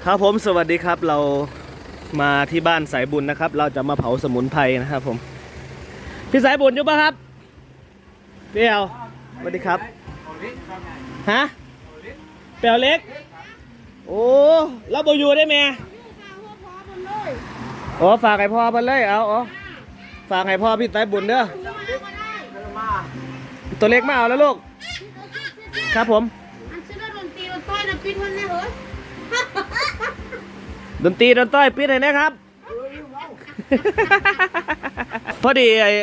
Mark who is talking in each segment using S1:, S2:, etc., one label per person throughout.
S1: ครับผมสวัสดีครับเรามาที่บ้านสายบุญนะครับ เราจะมาเผาสมุนไพรนะครับผมพี่สายบุญอยู่ปะครับเปียวสวัสดีครับฮะเปียวเล็กโอ้เราบอยู่ได้ไหมโอ้ฝากให้พ่อเพิ่นเลยเอาฝากให้พ่อพี่สายบุญเด้อตัวเล็กมาเอาแล้วลูกครับผมดนตรีดนต้อยปิดให้นะครับพอดีไอ้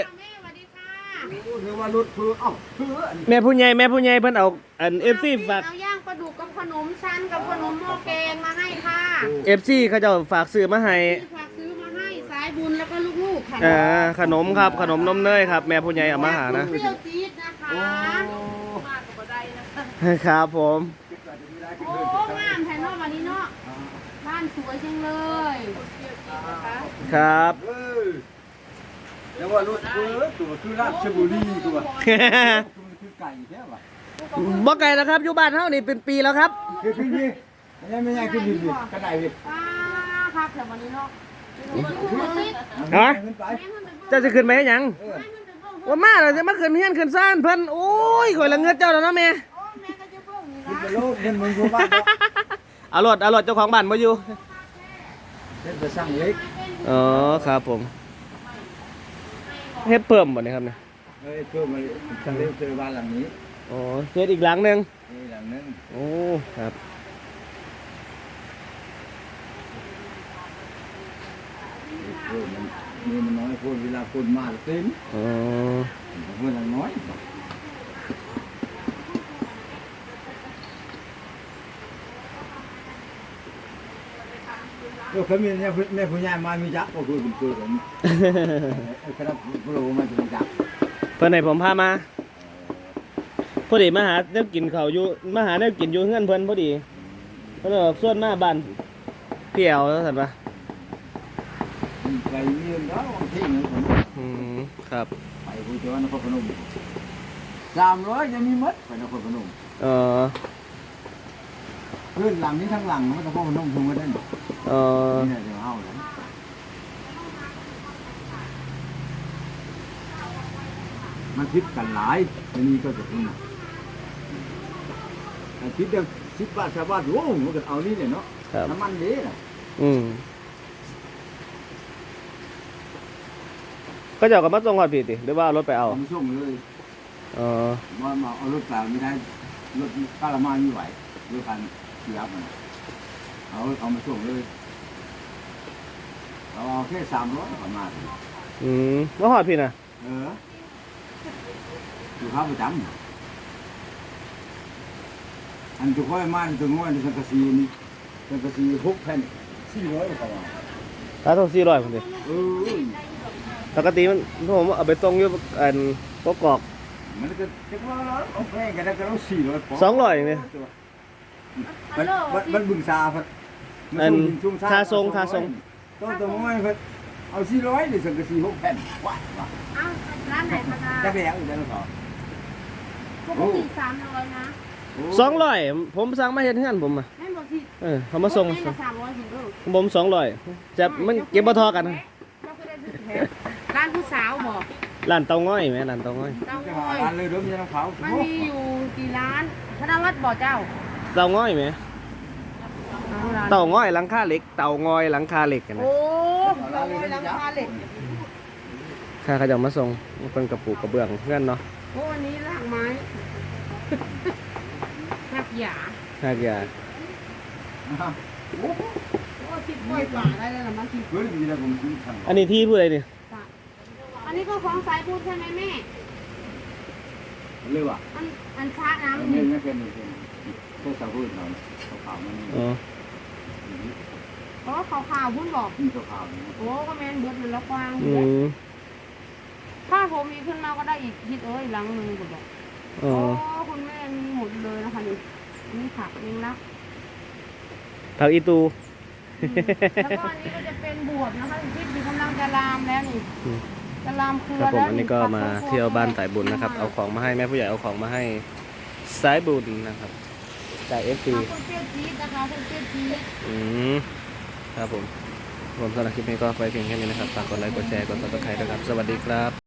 S1: แม่ผู้ใหญ่เพิ่นเอาอันFCฝาก
S2: เอาย่างปลาดุกกับขนมชั้นกับขนมหม้อแกงมาให้ค่ะ
S1: FC เขาจะฝากซื้อมาให้
S2: ฝากซื้อมาให้สายบุญแล้วก็ลูกๆค่ะ
S1: ขนมครับขนมนมเนยครับแม่ผู้ใหญ่เอามาหานะ
S2: เปรี้ยวจี๊ดนะคะมากกว่าใด
S1: นะครับผม
S2: โอ้งามแทนนอกวันนี้เนาะบ้านสวยจังเลย
S1: ครับ
S3: แล้วว่ารถตัวคือราชบุรีตัวคือไก่แค่ว่ะ
S1: บ่ไก่แล้วครับอยู่บ้านเฮานี่เป็นปีแล้วครับ
S3: คือพี่ไม่ใช่คือพี่กระไดพี่
S2: ครับแต่วันนี้เนาะ
S1: จะขึ้นไปให้หยังว่ามาเราจะมาขึ้นเฮียนขึ้นซ่านเพิ่นโอ้ยข่อยละเงิดเจ้าแล้วนะแม่
S3: โลกเงินมึงกูบ้าน
S1: เอารถเจ้าของบ้านมาอยู่
S3: เป็นไปสร้างเล็ก
S1: อ๋อครับผมเฮ็ดเพิ่มบ่เนี่ยครับเนี่ย
S3: เพิ่มมาสร้างเล็กเจอบ้านหลังนี้
S1: อ๋อเฮ็ดอีกหลังนึง
S3: หลังนึง
S1: โอ้ครับ
S3: มันน้อยคนเวลาคนมาเต็ม
S1: อ๋อ
S3: เพื่อนน้อยเขามีเนี่ยแม่ผู้ใหญ่มามีจักก็คือเป็นตัวผมคณะผู้รู้มาจะมีจัก
S1: เพิ่นให้ผมพามาพอดีมาหาแนวกินข้าวอยู่มาหาแนวกินอยู่เฮือนเพิ่นพอดีเพิ่นบอกส่วนมาบ้านเปี่ยวซั่นปะ
S3: ไปเมียนแล้วที่นึง
S1: ครับ
S3: ไปผู้เจ้านครพนม300ยังมีมัดไปนครพนมพื้นหลังนี้ทั้งหลังมันนครพนมทุ่งกันได้นี่เนี่ยเดี๋ยวเอาเลยมันคิดกันหลายทีนี้ก็จะขึ้นแต่คิดเดียว10 บาทชาวบ้านโอ้มันก็เอานี่เนี่ยเนาะน้ำมันดีน่ะ
S1: ก็จะเอากับมาส่งก่อนพี่ติหรือว่ารถไปเอา
S3: มาส่งเลยมาเอารถเปล่าไม่ได้รถป้าละมาไม่ไหวรถคันเสียบมันเอามาส่งเลยเอาแค่300ประมาณ
S1: ว่าหอดพี่นะ
S3: อยู่ข้าวประจำอันจุกค่อยมาจุกง่อยในสังกะสีนี่สังกะสี6 แผ่น400ประมาณ
S1: ถ้าต้อง400คนเดียวปกติมันผมเอาไปตรงอยู่อันกกอก
S3: มันก็จะว่าเอาแพงกันแล้วก็ต้อง
S1: 200อย่างนี้
S3: มันบึงซาพัด
S1: ทาทรง
S3: ต้องง่อยพัดเอา400ในสังกะสี6 แผ่นว้า
S2: ร้านไหนคะ
S3: จะไปแล้วจะขอ
S2: ปกติ300นะ
S1: 200ผมสั่งมาเฮ็ดเฮือนผมอ่ะ
S2: ให้บอกที่
S1: เขามาส่งผม200จะมันเก็บบ่ทอกัน
S2: ร้านผู้สาวบอก
S1: ร้านเตาง้อยไหมร้านเตาง้อย
S3: ร้านเลยเริ่มยังเขา
S2: มันมีอยู่กี่ร้านธนวัฒน์บอกเจ้า
S1: เตาง้อยไหมเตาง้อยหลังคาเหล็กเตาง้อยหลังคาเหล็กกันนะ
S2: โอ้เตาง้อยหลังคาเหล็ก
S1: ข้าเขาจะมาส่งเป็นกระปุกกระเบื้องเพื่อนเนาะ
S2: โอ้วันนี้รากไม้หักหยาโอ้ทิพย์กล้วยป่าได้แล้วนะมันทิพย์
S1: อันนี้ที่พูดอะไรเนี่ย
S2: อันนี้ก็ของสายพูดใช่ไหมแม่
S3: เรียกว่า
S2: อันช้าน้ำ
S3: ไม่เป็นแค่สายพูดเราขาวมัน
S2: ขาวพุ่นบอกโอ้ก็แม่นเบิดมันละกว้างถ้าผมมีขึ้นมาก็ได้อีกทิศหลังนึงก็บอกโอ้คุณแม่มีหมดเลยนะคะนี่ผักเองนะ
S1: ผักอีตู
S2: แล้วก็อันนี้ก็จะเป็นบวบนะคะที่กำลังจะลามแล้วนี่จะลามเครือ
S1: แล้วอันนี้ก็มาเที่ยวบ้านสายบุญนะครับเอาของมาให้แม่ผู้ใหญ่เอาของมาให้สายบุญนะครับจาก FP
S2: คุณเตี้ยจี๊ดนะคะคุณเตี้ยจี๊ด
S1: ครับผมสำหรับคลิปนี้ก็ไปเพียงแค่นี้นะครับฝากกดไลค์กดแชร์กดซับสไครต์ด้วยครับสวัสดีครับ